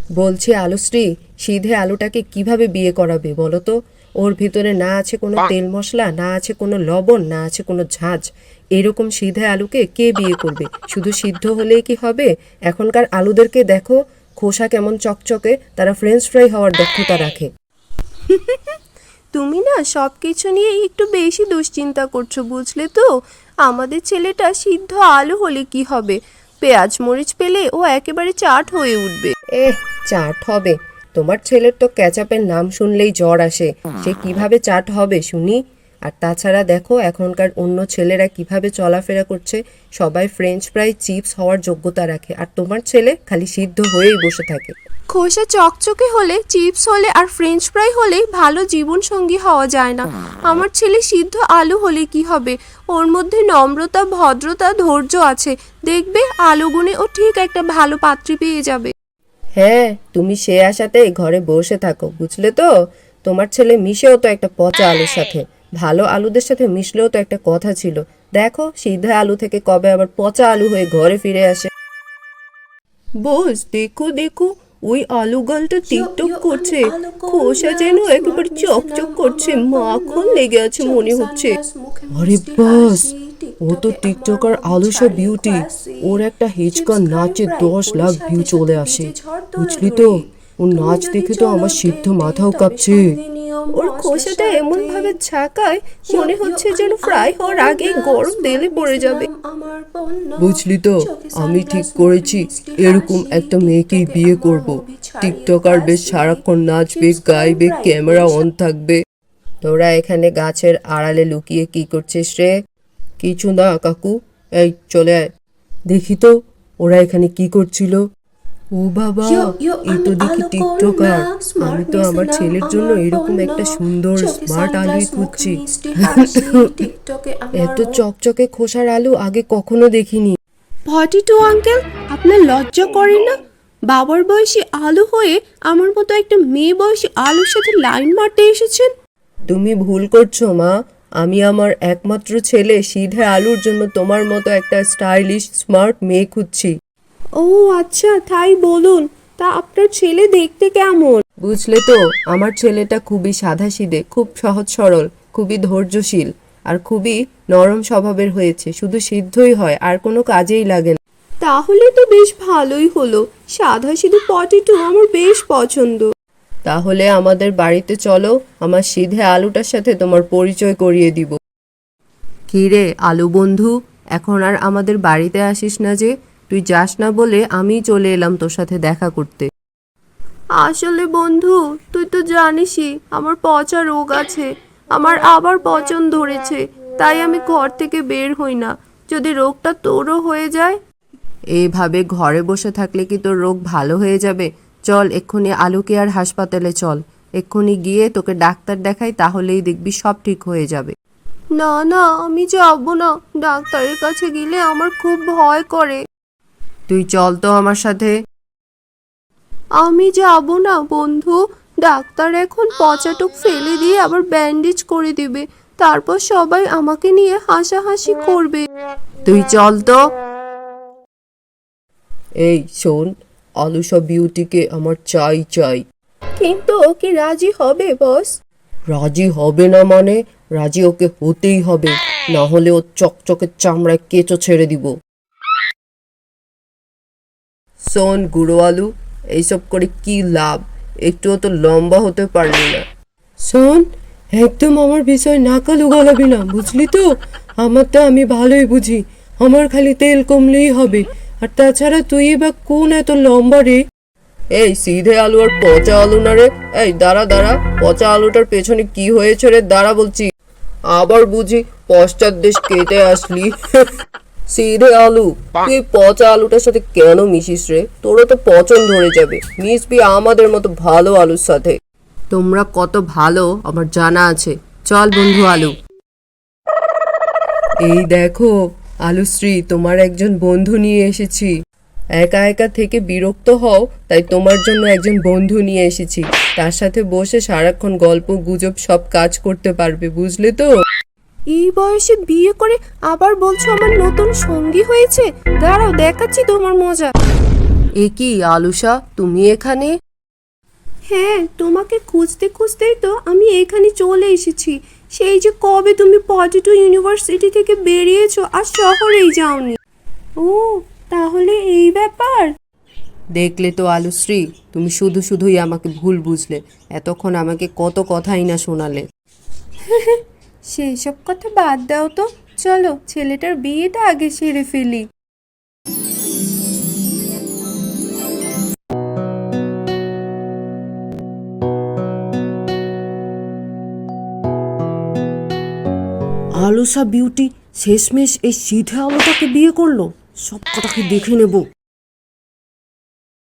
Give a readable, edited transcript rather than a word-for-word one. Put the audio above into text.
বলছি আলুশ্রী, সিধে আলুটাকে কিভাবে বিয়ে করাবে বলো তো? ওর ভিতরে না আছে কোনো তেল মশলা, না আছে কোনো লবণ, না আছে কোনো ঝাঁঝ। এরকম সিধে আলুকে কে বিয়ে করবে? শুধু সিদ্ধ হলেই কি হবে? এখনকার আলুদেরকে দেখো, খোসা কেমন চকচকে, তারা ফ্রেঞ্চ ফ্রাই হওয়ার দক্ষতা রাখে। তুমি না সব কিছু নিয়ে একটু বেশি দুশ্চিন্তা করছো, বুঝলে তো? আমাদের ছেলেটা সিদ্ধ আলু হলে কি হবে? পেঁয়াজ মরিচ পেলে ও একেবারে চাট হয়ে উঠবে। চাট হবে? তোমার ছেলের তো ক্যাচাপের নাম শুনলেই জ্বর আসে। সে কিভাবে চাট হবে শুনি? আর তাছাড়া দেখো এখনকার অন্য ছেলেরা কিভাবে চলাফেরা করছে, সবাই ফ্রেঞ্চ ফ্রাই চিপস হওয়ার যোগ্যতা রাখে, আর তোমার ছেলে খালি সিদ্ধ হয়েই বসে থাকে। খোসা চকচকে হলে, চিপস হলে আর ফ্রেঞ্চ ফ্রাই হলে ভালো জীবন সঙ্গী হওয়া যায় না। আমার ছেলে সিদ্ধ আলু হলে কি হবে? ওর মধ্যে নম্রতা, ভদ্রতা, ধৈর্য আছে। দেখবে আলুগুনে ও ঠিক একটা ভালো পাত্রী পেয়ে যাবে। হ্যাঁ, তুমি সে আশাতে ঘরে বসে থাকো, বুঝলে তো? তোমার ছেলে মিশেও তো একটা পচা আলুর সাথে। ভালো আলুদের সাথে মিশলেও তো একটা কথা ছিল। দেখো সিধে আলু থেকে কবে আবার পচা আলু হয়ে ঘরে ফিরে আসে। বস দেখো দেখো, ওই আলু গালটা টিকটক করছে। খোসা যেন একেবারে চকচক করছে, মাখন লেগে আছে মনে হচ্ছে। আরে বাস, ও তো টিকটকার আলুসা বিউটি। ওর একটা হিচকা নাচে 10 লাখ ভিউ চলে আসে, বুঝলি তো? ওর নাচ দেখে তো আমার সিদ্ধ মাথাও কাঁপছে। ওর খোসাটা এমন ভাবে ঝাঁকায়, মনে হচ্ছে যেন ফ্রাই হওয়ার আগেই গরম তেলে পড়ে যাবে। বুঝলি তো, আমি ঠিক করেছি এরকম একটা মেয়েকেই বিয়ে করব। টিকটকার বেশ সারাক্ষণ নাচবে, গাইবে, ক্যামেরা অন থাকবে। তোরা এখানে গাছের আড়ালে লুকিয়ে কি করছিস রে? কিছু না কাকু, এই চলে আয়। দেখি তো ওরা এখানে কি করছিল। ও বাবা, এই তো দেখি টিকটকার। আমি তো আমার ছেলের জন্য এরকম একটা সুন্দর স্মার্ট আলুই খুঁজছি। এত চকচকে খোসার আলু আগে কখনো দেখিনি। 42 আঙ্কেল, আপনার লজ্জা করে না? বাবার বয়সী আলু হয়ে আমার মতো একটা মেয়ে বয়সী আলুর সাথে লাইন মারতে এসেছেন। তুমি ভুল করছো মা। আমি আমার একমাত্র ছেলে সিধে আলুর জন্য তোমার মতো একটা স্টাইলিশ স্মার্ট মেয়ে খুঁজছি। ও আচ্ছা, তাই বলুন। তা আপনার ছেলে দেখতে কেমন? বুঝলে তো, আমার ছেলেটা খুবই সাধাসিধে, খুব সহজ সরল, খুবই ধৈর্যশীল আর খুবই নরম স্বভাবের হয়েছে। শুধু সিদ্ধই হয়, আর কোনো কাজেই লাগে না। তাহলে তো বেশ ভালোই হলো। সাদা সিধে পটেটো আমার বেশ পছন্দ। তাহলে আমাদের বাড়িতে চলো, আমার সিধে আলুটার সাথে তোমার পরিচয় করিয়ে দিব। কি রে আলু বন্ধু, এখন আর আমাদের বাড়িতে আসিস না যে? তুই যাস না বলে আমি চলে এলাম তোর সাথে দেখা করতে। আসলে বন্ধু, তুই তো জানিসই আমার পচা রোগ আছে। আমার আবার পচন ধরেছে, তাই আমি ঘর থেকে বের হই না। যদি রোগটা তোরও হয়ে যায়? এইভাবে ঘরে বসে থাকলে কি তোর রোগ ভালো হয়ে যাবে? চল এক্ষুনি আলুকে আর হাসপাতালে চল। এক্ষুনি গিয়ে তোকে ডাক্তার দেখাই, তাহলেই দেখবি সব ঠিক হয়ে যাবে। না না, আমি যাবো না। ডাক্তারের কাছে গেলে আমার খুব ভয় করে। তুই চল তো আমার সাথে। আমি যাব না বন্ধু। ডাক্তার এখন পচাটুক ফেলে দিয়ে আবার ব্যান্ডেজ করে দিবে। তারপর সবাই আমাকে নিয়ে হাসাহাসি করবে। তুই চল তো। এই শোন, আলুসা বিউটিকে আমার চাই চাই। কিন্তু ও কি রাজি হবে বস? রাজি হবে না মানে? রাজি ওকে হতেই হবে, না হলে ও চকচকে চামড়ায় কেঁচো ছেড়ে দিব। শোন গুঁড়ো আলু, এইসব করে কি লাভ? একটুও তো লম্বা হতে পারলি না। শোন, একদম আমার বিষয় নাকালু গলাবি না, বুঝলি তো? আমারটা আমি ভালোই বুঝি। আমার খালি তেল কমলেই হবে। আর তাছাড়া তুই বা কোন এত লম্বা রে? এই সিধে আলু আর পচা আলু না রে? এই দাঁড়া দাঁড়া, পচা আলুটার পেছনে কি হয়েছে রে? দাঁড়া বলছি। আবার বুঝি পশ্চাৎ দেশ কেটে আসলি। সিধে আলু, তুই পচা আলুটার সাথে কেন মিশিস রে? তোরও তো পচন ধরে যাবে। মিশবি আমাদের মতো ভালো আলুর সাথে। তোমরা কত ভালো আমার জানা আছে। চল বন্ধু আলু। এই দেখো আলুশ্রী, তোমার একজন বন্ধু নিয়ে এসেছি। একা একা থেকে বিরক্ত হও, তাই তোমার জন্য একজন বন্ধু নিয়ে এসেছি। তার সাথে বসে সারাক্ষণ গল্প গুজব সব কাজ করতে পারবে, বুঝলে তো? এই বয়সে বিয়ে করে আবার বলছো আমার নতুন সঙ্গী হয়েছে? দাঁড়াও, দেখাচ্ছি তোমার মজা। এ কি আলুষা, তুমি এখানে? হ্যাঁ, তোমাকে খুঁজতে খুঁজতেই তো আমি এখানে চলে এসেছি। সেই যে কবে তুমি পটেটো ইউনিভার্সিটি থেকে বেরিয়েছো আর শহরেই যাওনি। ও, তাহলে এই ব্যাপার। দেখলে তো আলুশ্রী, তুমি শুধু শুধুই আমাকে ভুল বুঝলে। এতক্ষণ আমাকে কত কথাই না শোনালে। সেই সব কথা বাদ দাও তো, চলো ছেলেটার বিয়েটা আগে সেরে ফেলি। আলুষা বিউটি শেষমেশ এই সিধে আলোটাকে বিয়ে করলো। সব কটাকে দেখে নেব।